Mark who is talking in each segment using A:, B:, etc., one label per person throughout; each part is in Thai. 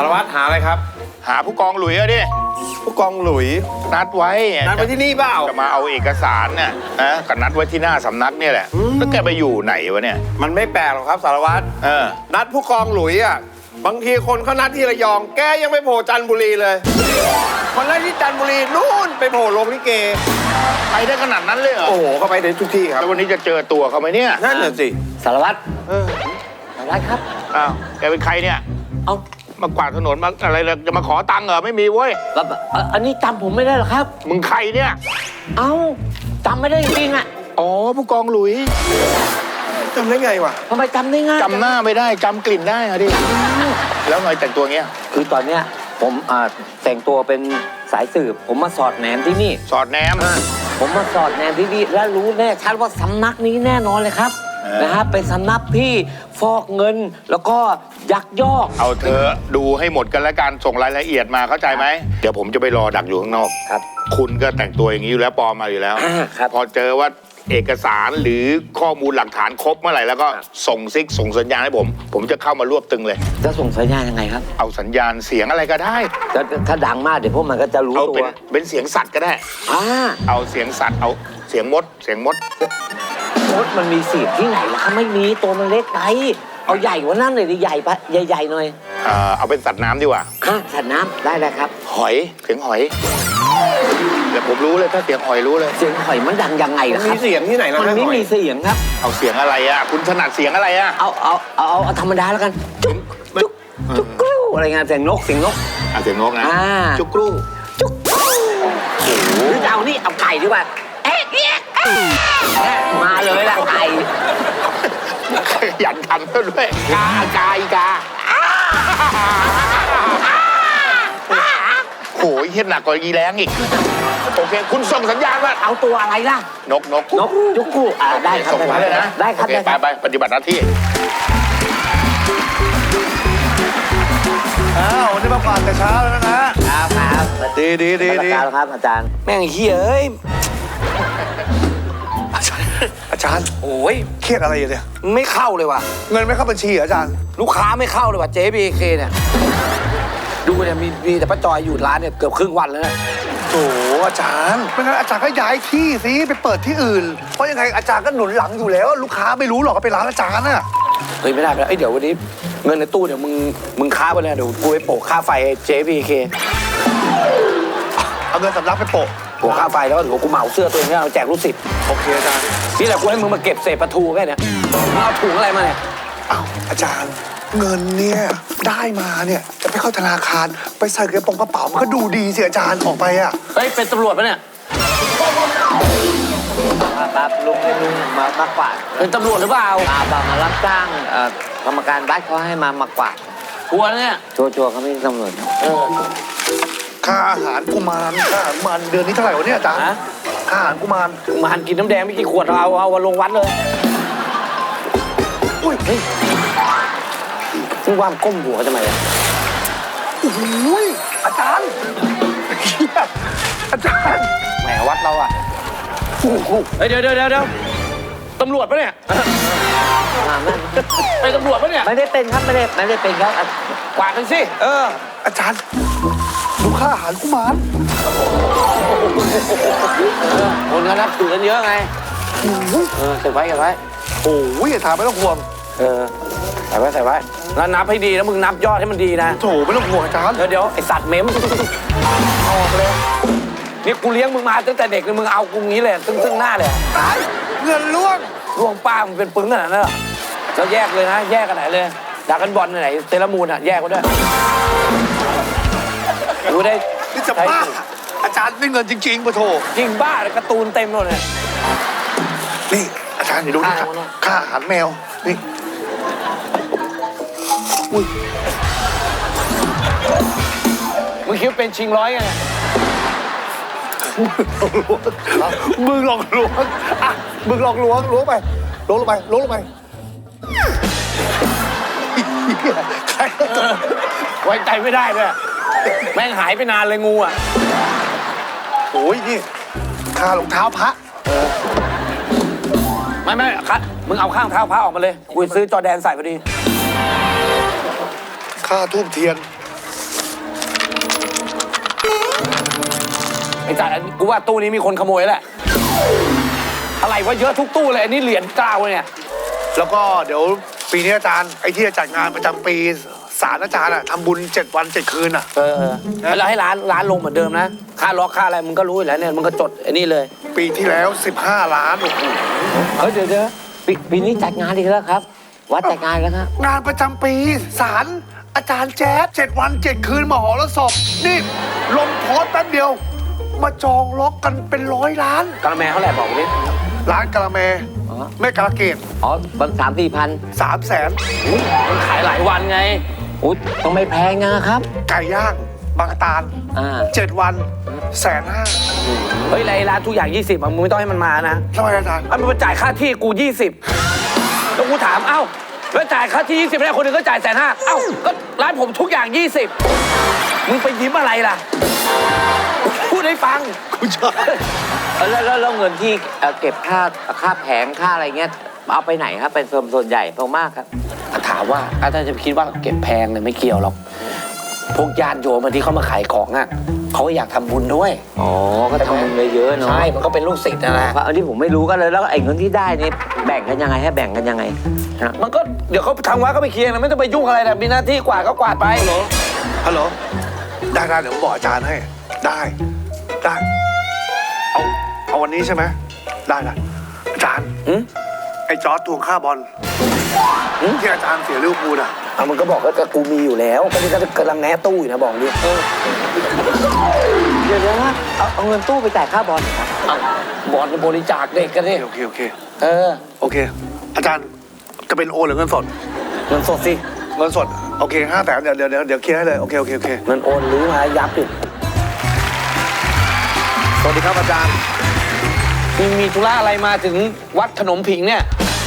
A: ารวัตรหาอะไรครับ
B: หาผู้กองหลุยอะดิ
A: ผู้กองหลุย
B: นัดไว้
A: ที่นี่เปล่า
B: จะมาเอาเอกสารเนี่ยนะก็นัดไว้ที่หน้าสำนักเนี่ยแหละแล้วแกไปอยู่ไหนวะเนี่ย
A: มันไม่แปลกหรอกครับสารวัตรนัดผู้กองหลุยอ่ะบางทีคนเขานัดที่ระยองแกยังไม่โผล่จันทบุรีเลยคนแรกที่จันทบุรีนู่นไปโผล่โรงลิเก
B: ไปได้ขนาดนั้นเลยเหรอ
A: โอ้โหเขาไปได้ทุกที่ครับ
B: แล้ววันนี้จะเจอตัวเขาไหมเนี่ย
A: นั่นน่ะสิ
C: สารวัตรสารวัตรครับ
B: อ้าวแกเป็นใครเนี่ย
C: เอา
B: มากวาดถนนมาอะไรจะมาขอตังค์เหรอไม่มีเว้ย
C: อันนี้จำผมไม่ได้หรอครับ
B: มึงใครเนี่ย
C: เอ้าจำไม่ได้จริงๆอ่ะ
B: อ๋อผู้กองหลุย
A: จำได้ไงวะ
C: ทำไมจำได้ง่าย
B: จำหน้าไม่ได้จำกลิ่นได้อะดิแล้วไงแต่งตัวเงี้ย
C: คือตอนเนี้ยผมแต่งตัวเป็นสายสืบผมมาสอดแนมที่นี่
B: สอดแนม
C: ผมมาสอดแนมที่นี่และรู้แน่ชัดว่าสำนักนี้แน่นอนเลยครับนะฮะเป็นสำนักที่ฟอกเงินแล้วก็ยักยอก
B: เอาเธอดูให้หมดกันแล้วกันส่งรายละเอียดมาเข้าใจไหมเดี๋ยวผมจะไปรอดักอยู่ข้างนอก
C: ครับ
B: คุณก็แต่งตัวอย่างนี้อยู่แล้วปลอมมาอยู่แล้วพอเจอว่าเอกสารหรือข้อมูลหลักฐานครบเมื่อไหร่แล้วก็ส่งซิกส่งสัญญาณให้ผมจะเข้ามารวบตึงเลย
C: จะส่งสัญญาณยังไงครับ
B: เอาสัญญาณเสียงอะไรก็ได้
C: ถ้าดังมากเดี๋ยวพวกมันก็จะรู้ตัว
B: เป็นเสียงสัตว์ก็ได้เอาเสียงสัตว์เอาเสียงมด
C: มดมันมีเสียงที่ไหนล่ะไม่มีตัวมันเล็กไปเอาใหญ่กว่านั้นเลยดิใหญ่ปะใหญ่ๆหน่อย
B: เอาเป็นสัตว์น้ำดีกว่า
C: สัตว์น้ำได้เลยครับ
B: หอยเสียงหอยเดี๋ยวผมรู้เลยถ้าเสียงหอยรู้เลย
C: เสียงหอยมันดังยังไงล่ะครับ
A: มีเสียงที่ไหนล่ะ
C: มันไม่มีเสียงครับ
B: เอาเสียงอะไรอ่ะคุณถนัดเสียงอะไรอ่ะ
C: เอาธรรมดาแล้วกันจุกกรูอะไรเงี้ยเสียงนกเสียงนก
B: เสียงนกนะจุกกรู
C: หรือเอานี่เอาไก่ดีกว่ามาเลยล่ะไก่
B: หยันทำด้วยกาโอ้ยเห็นหนักกว่ายีแรงอีกโอเคคุณส่งสัญญาณว่า
C: เอาตัวอะไรล่ะ
B: นก
C: จุกกู้ได้ครับ
B: ส่งมาเลยนะ
C: ได้ครับ
B: ไปปฏิบัติหน้าที่
A: วันนี้มาผ่านแต่เช้าแล้วนะครับดี
C: ครับอาจารย์แม่งเฮ้ย
A: อาจารย์
C: โอ้ย
A: เครียดอะไรอยู่เนี่ย
C: ไม่เข้าเลยว่ะ
A: เงินไม่เข้าบัญชีอาจารย์
C: ลูกค้าไม่เข้าเลยว่ะ JBK เนี่ยดูเนี่ยมีแต่ป้าจอยอยู่ร้านเนี่ยเกือบครึ่งวันแล้วนะ
A: โอ้อาจารย์ไม่งั้นอาจารย์ก็ย้ายที่สิไปเปิดที่อื่นเพราะยังไงอาจารย์ก็หนุนหลังอยู่แล้วลูกค้าไม่รู้หรอกว่าเป็นร้านอาจารย์น่ะ
C: เฮ้ยไม่ได้เดี๋ยววันนี้เงินในตู้เดี๋ยวมึงค้าไปเลยเดี๋ยวกูไปโปะค่าไฟ JBK
A: เอาเงินสำรับไปโปะ
C: ค่าไฟแล้วเดี๋ยวกูเหมาเสื้อตัวเองแล้วแจกลูกศิษย์
A: โอเคอาจารย์
C: นี่แหละกูให้มึงมาเก็บเศษปลาทูแค่นี้เอาถุงอะไรมาเนี่ย
A: อ้าวอาจารย์เงินเนี่ยได้มาเนี่ยจะไปเข้าธนาคารไปใส่กระเป๋ามันก็ดูดีสิอาจารย์ออกไปอ่ะ
C: เฮ้ยเป็นตำรวจปะเนี่ยลุงมากวาดเป็นตำรวจหรือเปล่ามารับจ้างกรรมการบ้านเขาให้มากวาดชัวร์เนี่ยชัวร์เขาไม่ตำรวจ
A: ค่าอาหารกุมารเดือนนี้เท่าไหร่วะเนี่ยอาจารย์ค่าอาหารกุมาร
C: กินน้ำแดงไม่กี่ขวดเอาลงวัดเลย
A: อุ้ย
C: ซึ่งว่ามก้มหัวทำไมอ่ะ
A: โอ้ยอาจารย์
C: แหมวัดเราอ่ะเดี๋ยวตำรวจปะเนี่ยเป็นตำรวจปะเนี่ยไม่ได้เป็นครับไม่ได้เป็นครับกวาดกันสิ
A: อาจารย์ดูค่าอาหารกุมาร
C: คนก็นับถือกันเยอะไงเก็บไว้
A: โอ้ยอย่าถามไม่ต้องห่วง
C: ใส่ไว้แล้วนับให้ดีแล้วมึงนับยอดให้มันดีนะ
A: โถไม่ต้องห่วงอาจารย์
C: เดี๋ยวไอสัตว์เม้ม
A: เอาออกเลย
C: นี่กูเลี้ยงมึงมาตั้งแต่เด็กเลยมึงเอากูงี้เลยซึ่งหน้าเลย
A: เงินล่ว
C: งป้ามึงเป็นปึ้งขนาดนั้นเหรอแล้วแยกเลยนะแยกกันไหนเลยดากันบอลไหนเซรามูนแยกกันด้วยดูได้
A: นี่จะบ้าอาจารย์ได้เงินจริงๆปะโถ
C: จริงบ้าเลยการ์ตูนเต็มเลย
A: นี่อาจารย์เดี๋ยวดูนี่ค่าอาหารแมวนี่
C: มึงคิดเป็นชิงร้อยไง
A: มึงลองล้วงมึงลองล้วงไปลงไป
C: ไว้ใจไม่ได้เลยแม่งหายไปนานเลยงูอ่ะ
A: โอ้ยนี่ค่ารองเท้าพระ
C: ไม่ครับมึงเอาข้างเท้าพระออกมาเลยกูซื้อจอแดนใส่พอดี
A: ค่าทูบเทียน
D: ไอ้จ่ายกูว่าตู้นี้มีคนขโมยแหละอะไรวะเยอะทุกตู้เลยอันนี้เหรียญเก้าเนี่ย
E: แล้วก็เดี๋ยวปีนี้อาจารย์ไอ้ที่จะจัดงานประจำปีศาลอาจารย์อะทำบุญ7 วัน 7 คืนอะ
D: แล้วให้ร้านลงเหมือนเดิมนะค่าล็อกค่าอะไรมึงก็รู้อยู่แล้วเนี่ยมึงก็จดไอ้นี่เลย
E: ปีที่แล้ว 15 ล้านโอ้โห
C: เฮ้ยเดี๋ยวปีนี้จัดงานอีกแล้วครับ วัดจัดงานแล้วครับ
E: งานประจำปีศาลอาจารย์แจ๊ด7 วัน 7 คืนมหรสพนี่ลงโพสต์แป๊บเดียว มาจองล็อกกันเป็น100 ล้าน
D: กระแมเท่าไหร่บอกกูดิ
E: ร้านกะละแมแม่กะละเกด
C: อ๋อบาง3-4 พัน
E: 300,000
D: มันขายหลายวันไง
C: อุ๊ยต้องไม่แพงนะครับ
E: ไก่ย่างบางตาล 7 วัน150,000
D: เฮ้ยไรร้านทุกอย่าง 20มึงไม่ต้องให้มันมานะ
E: ทำไมอาจารย์
D: มันมาจ่ายค่าที่กู 20แล้วกูถามเอ้าแล้วจ่ายค่าที่ 20แล้วคนอื่นก็จ่าย150,000เอ้าก็ร้านผมทุกอย่าง 20มึงไปยิ้มอะไรล่ะพูดให้ฟัง
E: คุณชอบ
C: แล้วเงินที่เก็บค่าแผงค่าอะไรเงี้ยเอาไปไหนครับ เป็นส่วนใหญ่มากครับ
D: ถามว่าอาจารย์จะคิดว่าเก็บแพงเนี่ยไม่เกี่ยวหรอกพวกญาติโยมที่เขามาขายของอ่ะเขาอยากทำบุญด้วย
C: อ๋อ ก็ทำบุญเยอะๆเนาะ
D: ใช่มันก็เป็นลูกศิษย์นะนะ
C: อันนี้ผมไม่รู้กันเลยแล้วไอ้เงินที่ได้นี่แบ่งกันยังไงให้แบ่งกันยังไงฮะ
D: มันก็เดี๋ยวเขาทางวัดก็ไปเคลียร์นะไม่ต้องไปยุ่งอะไรนะมีหน้าที่กวาดก็กวาดไป
E: ฮัลโหลได้เดี๋ยวผมบอกอาจารย์ให้ได้เอาวันนี้ใช่ไหมได้อาจารย์ไอ้จอร์จทวงค่าบอลที่อาจารย์เสียลิเวอร์พูลอะ
D: เอามันก็บอกว่ากูมีอยู่แล้วก็นี่ก็กำลังแนะตู้อยู่นะบอกดิ
C: เดี๋ยวนะเอาเงินตู้ไปจ่ายค่าบอลครับ
D: บอลบริจาคเด็กกันดิ
E: โอเค
D: เออ
E: อาจารย์จะเป็นโอนหรือเงินสด
D: เงินสดสิ
E: เงินสดโอเค500,000เดี๋ยวเคลียร์ให้เลยโอเค
D: เงินโอนหรือมายับดิ
E: สวัสดีครับอาจารย์
D: มีธุระอะไรมาถึงวัดขนมผิงเนี่ย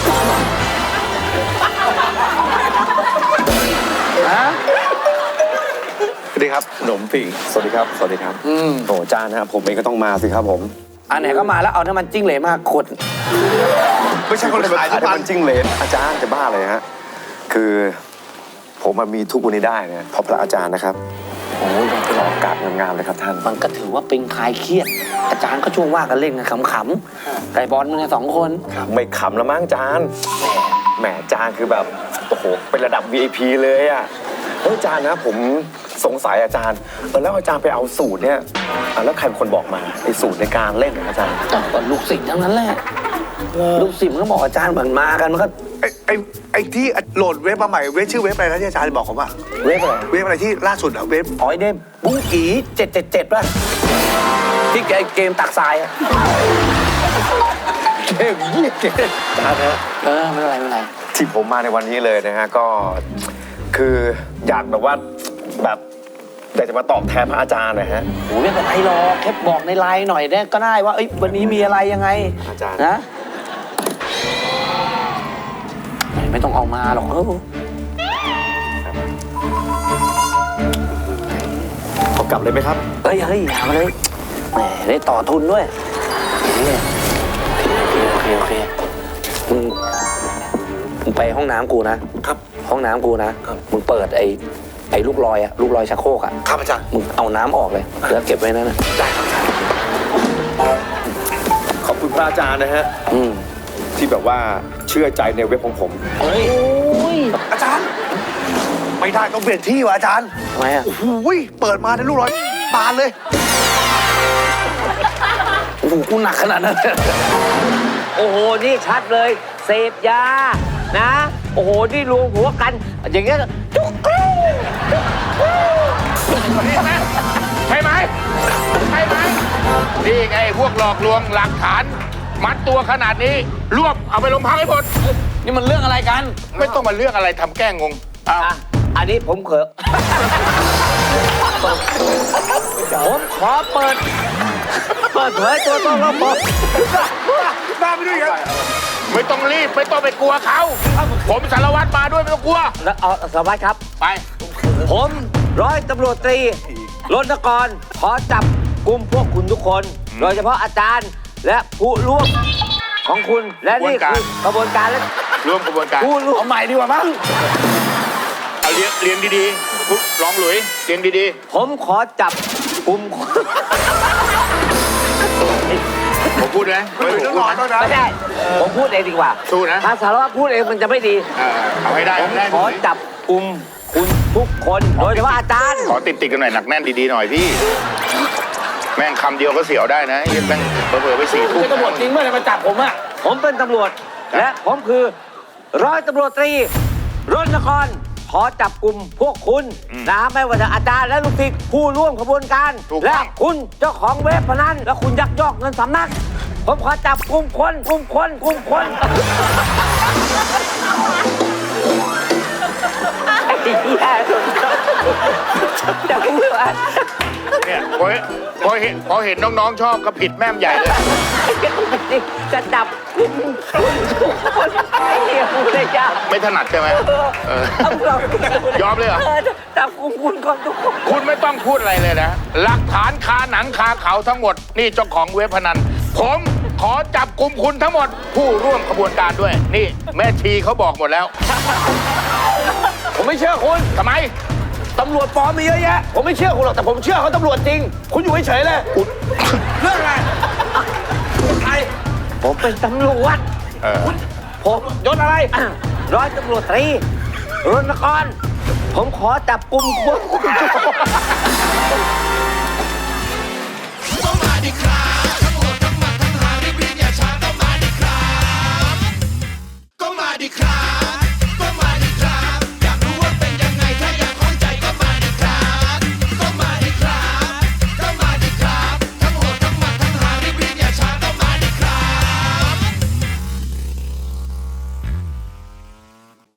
D: ฮะ
E: สวัสดีครับ
F: ขนมผิงสวัสดีครับ โอ้จานนะครับผมเองก็ต้องมาสิครับผม
D: อันไหนก็มาแล้วเอาน้ำมันจิ้งเหลนมากขวด
E: ไม่ใช่คนขายทุก
F: แต่
E: วัน
F: มันจิ้งเหลนอาจารย์จะบ้าเลยฮะ คือผมมามีทุกวันนี้ได้เนี่ยเพราะพระอาจารย์นะครับโอ้ยเป็นอากาศงามๆเลยครับท่าน
D: มันก็ถือว่าเป็นคลายเครียด อาจารย์ก็ช่วงว่ากันเล่นกันขำๆไก่บอลมึงเนี่ย2 คน
F: ไม่ขำแล้วมั้งจานแหมจานคือแบบโอ้โหเป็นระดับ VIP เลยอ่ะเฮ้ยจานนะผมสงสัยอาจารย์แล้วอาจารย์ไปเอาสูตรเนี่ยแล้วใครเป็นคนบอกมาไอ้สูตรในการเล่นของอาจารย์
D: ก็ลูกศิษย์ทั้งนั้นแหละลูกศิษย์มันก็บอกอาจารย์เหมือนมากันมันก็
E: ไอ้ที่โหลดเว็บมาใหม่เว็บชื่อเว็บอะไรนะที่อาจารย์บอกผมว่า
D: เว็บอะไร
E: เว็บอะไรที่ล่าสุดอะเว็บ
D: อ๋อยเดมบุ้งกี777ป่ะที่เกมตักทรายอะเกม
F: จานฮะ
D: ไม่เป็นไร
F: ที่ผมมาในวันนี้เลยนะฮะก็คืออยากแบบว่าแบบอยากจะมาตอบแทนพระอาจารย์หนะฮะ
D: โอ้ยไม่เป็นไรหรอกแค่บอกในไลน์หน่อยได้ก็ได้ว่าเอ้ยวันนี้มีอะไรยังไง
F: อาจารย์
D: นะไม่ต้องเอามาหรอก
F: เอากลับเลยไหมครับ
D: เฮ้ยอย่ามาเลยแหมได้ต่อทุนด้วยโอเคมึงไปห้องน้ำกูนะครับห้องน้ำกูนะมึงเปิดไอ้ลูกลอยชักโครกอ่ะ
E: ครับอาจารย์
D: มึงเอาน้ำออกเลยแล้วเก็บไว้นั่นนะ
E: ได้ครับอาจารย์
F: ขอบคุณพระอาจารย์นะฮะที่แบบว่าเชื่อใจในเว็บของผม
D: เฮ้ย
E: อาจารย์ไม่ได้ต้องเปลี่ยนที่ว่ะอาจารย์
D: ทำไมอ่ะ
E: โอ้โหเปิดมาในลูกร้อยบานเลย
D: โอ้โหกูหนักขนาดนั้นเลย
C: โอ้โห นี่ชัดเลย เสพยา นะ โอ้โห นี่รวมหัวกัน อย่างเงี้ยจุกกรู
B: ใช่ไหมนี่ไงพวกหลอกลวงหลักฐาน มัดตัวขนาดนี้รวบเอาไปโรงพักให้หมด
D: นี่มันเรื่องอะไรกัน
B: ไม่ต้องมาเรื่องอะไรทำแกล้งงงเอา
C: อ่ะอันนี้ผมเขอผมขอเปิดเผยตัวตนของผม
E: ได้ไปด้วยกัน
B: ไม่ต้องรีบไม่ต้องไปกลัวเขา ผมสารวัตรมาด้วยไม่ต้องกลัว
C: แล้วเอาสวัสดีครับ
B: ไป
C: ผมร้อยตำรวจตรีรณกรขอจับกลุ่มพวกคุณทุกคน โดยเฉพาะอาจารย์และผู้ร่วมของคุณและนี่คือกระบวนการและ
B: ร่วมกระบวนการ
C: ผู้ร่วม
D: เอาใหม่ดีกว่ามั้ง
B: เอาเรียนดีๆลองหลุยเรียนดี
C: ผมขอจับกลุ่มคน
B: ดนะ
E: หลุยต้องนอนด้วยนะ
C: ไม่ใช่ผมพูดเองดีกว่า
B: สู้นะ
C: ถ้าสารวัตรพูดเองมันจะไม่ดี
B: เอาให้ได้
C: ผม
B: ได้
C: ขอจับกลุ่มคุณทุกคน โดยเฉพาะอาจารย์
B: ขอติดกันหน่อยหนักแน่นดีๆหน่อยพี่ แม่งคำเดียวก็เสียวได้นะเหี้ยแม่งเผลอๆไป4 ทุ่ม
D: เป็นตำรวจจริงเมื่อไหร่มาจับผมอะ
C: ผมเป็นตำรวจ และผมคือร้อยตำรวจตรีรณกรขอจับกลุ่มพวกคุณนะไม่ว่าจะอาจารย์และลูกศิษย์ผู้ร่วมขบวนการ และคุณเจ้าของเว็บพนันและคุณยักยอกเงินสำนัก ผมขอจับกลุ่มคนไอ้เหี้ยจะพูดว่า
B: เนี่ยพอเห็นน้องๆชอบก็ผิดแม่มใหญ่เลย
C: จะจับกลุ่มคุณทุกคนไอ้เหี้ยพูดได้ยาก
B: ไม่ถนัดใช่ไหมยอมเลยเหรอ
C: จับกลุ่มคุณก่อนทุกคน
B: คุณไม่ต้องพูดอะไรเลยนะ หลักฐานคาหนังคาเขาทั้งหมด นี่เจ้าของเว็บพนัน ผมขอจับกลุ่มคุณทั้งหมด ผู้ร่วมขบวนการด้วย นี่แม่ชีเขาบอกหมดแล้ว
D: ผมไม่เชื่อคุณ
B: ทำไม
D: ตำรวจปลอมมีเยอะแยะ ผมไม่เชื่อคุณหรอก แต่ผมเชื่อเขาตำรวจจริง คุณอยู่เฉยๆเลยเรื่องอะไรไอ้
C: ผมเป็นตำรวจ
D: ผมยศอะไร
C: ร้อยตำรวจตรีรณกรผมขอจับกลุ่มพวกคุณ